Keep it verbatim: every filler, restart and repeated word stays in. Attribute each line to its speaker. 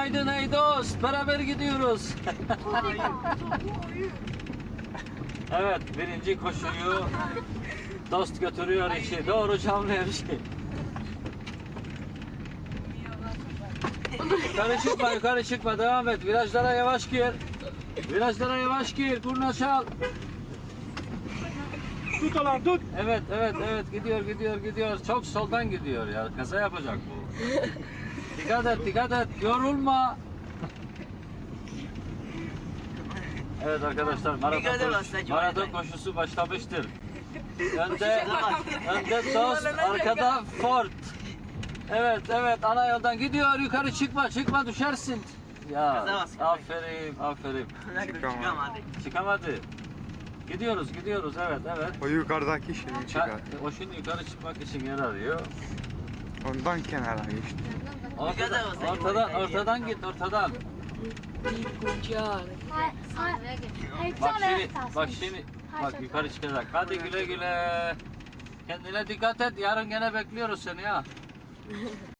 Speaker 1: Günaydın ey dost. Beraber gidiyoruz. Evet, birinci koşuyu dost götürüyor işi. Doğru Çamlıhemşin. Yukarı çıkma, yukarı çıkma. Devam et. Virajlara yavaş gir. Virajlara yavaş gir. Kurna çal.
Speaker 2: Tut lan tut.
Speaker 1: Evet, evet, evet. Gidiyor, gidiyor, gidiyor. Çok soldan gidiyor ya. Kaza yapacak bu. Dikkat et, dikkat et. Yorulma. Evet arkadaşlar, maraton, koş, maraton koşusu başlamıştır. Önde, önde dost, arkada Ford. Evet, evet, ana yoldan gidiyor. Yukarı çıkma, çıkma düşersin. Ya, aferin, aferin.
Speaker 3: Çıkamadı.
Speaker 1: Çıkamadı. Gidiyoruz, gidiyoruz. Evet, evet.
Speaker 3: O yukarıdaki şimdi çıkar.
Speaker 1: O şimdi yukarı çıkmak için yer arıyor.
Speaker 3: Ondan kenara geçti.
Speaker 1: Ortadan, ortadan, ortadan git, ortadan. Bak şimdi, bak şimdi, bak yukarı çıkacak. Hadi güle güle. Kendine dikkat et. Yarın gene bekliyoruz seni ya.